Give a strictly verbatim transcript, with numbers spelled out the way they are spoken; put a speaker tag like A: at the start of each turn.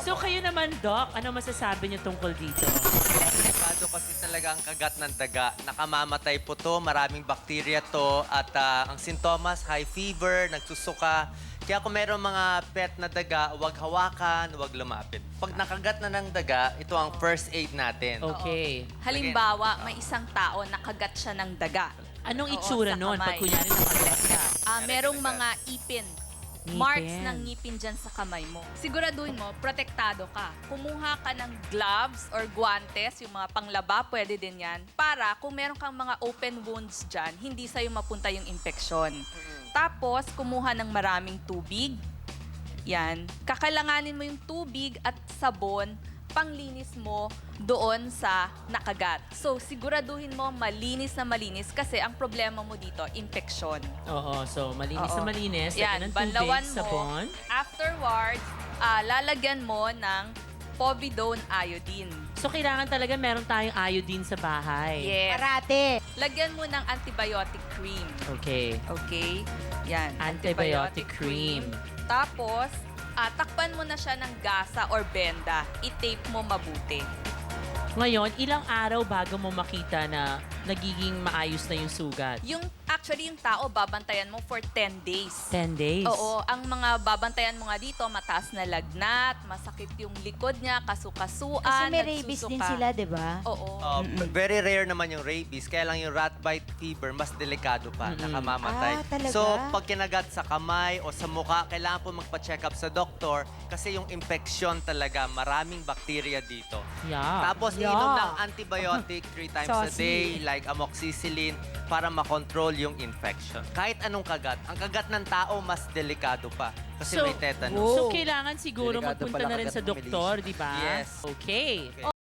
A: So kayo naman, Doc, ano masasabi niyo tungkol dito?
B: Delikado kasi talaga ang kagat ng daga. Nakamamatay po to, maraming bakterya to, at ah, ang sintomas, high fever, nagsusuka. Kaya kung meron mga pet na daga, huwag hawakan, huwag lumapit. Pag nakagat na ng daga, ito ang first aid natin.
A: Okay.
C: Halimbawa, may isang tao nakagat siya ng daga.
A: Anong
C: Oo,
A: itsura
C: sa
A: nun pag
C: kamay.
A: kunyari nakagat ka?
C: Ah, merong mga ipin.
A: Ngipin.
C: Marks ng ngipin dyan sa kamay mo. Siguraduhin mo, protektado ka. Kumuha ka ng gloves or guantes, yung mga panglaba, pwede din yan. Para kung meron kang mga open wounds dyan, hindi sa'yo mapunta yung infeksyon. Tapos, kumuha ng maraming tubig. Yan. Kakailanganin mo yung tubig at sabon panglinis mo doon sa nakagat. So, siguraduhin mo malinis na malinis kasi ang problema mo dito, infeksyon.
A: Oo, so malinis
C: Oo.
A: na malinis.
C: Yan,
A: lagyan ng
C: banlawan
A: tubig,
C: mo.
A: sabon.
C: Afterwards, ah, lalagyan mo ng povidone iodine.
A: So kailangan talaga meron tayong iodine sa bahay.
C: Yes.
D: Parate.
C: Lagyan mo ng antibiotic cream.
A: Okay.
C: Okay? Yan.
A: Antibiotic cream.
C: Tapos, ah, takpan mo na siya ng gasa or benda. I-tape mo mabuti.
A: Ngayon, ilang araw bago mo makita na nagiging maayos na yung sugat?
C: Yung, actually, yung tao, babantayan mo for ten days.
A: ten days?
C: Oo, ang mga babantayan mo nga dito, mataas na lagnat, masakit yung likod niya, kasukasuan,
D: Kasi may rabies din
C: nagsusuka.
D: sila, di ba?
C: Oo.
B: Uh, very rare naman yung rabies, kaya lang yung rat bite fever, mas delikado pa,
A: Mm-mm.
B: nakamamatay.
D: Ah, talaga?
B: So, pag kinagat sa kamay o sa mukha, kailangan po magpa-check up sa doktor kasi yung infection talaga, maraming bakterya dito.
A: Yeah.
B: Tapos,
D: Yeah.
B: inom ng antibiotic three times a
D: Saucy.
B: day, like amoxicillin, para makontrol yung infection. Kahit anong kagat, ang kagat ng tao mas delikado pa kasi
A: So-
B: may tetanus.
D: Oh.
A: So kailangan siguro
E: Delikado
A: magpunta
E: pala
A: na rin
E: kagat
A: sa
E: ng
A: doktor, di ba?
B: Yes.
A: Okay.
B: Okay.
C: O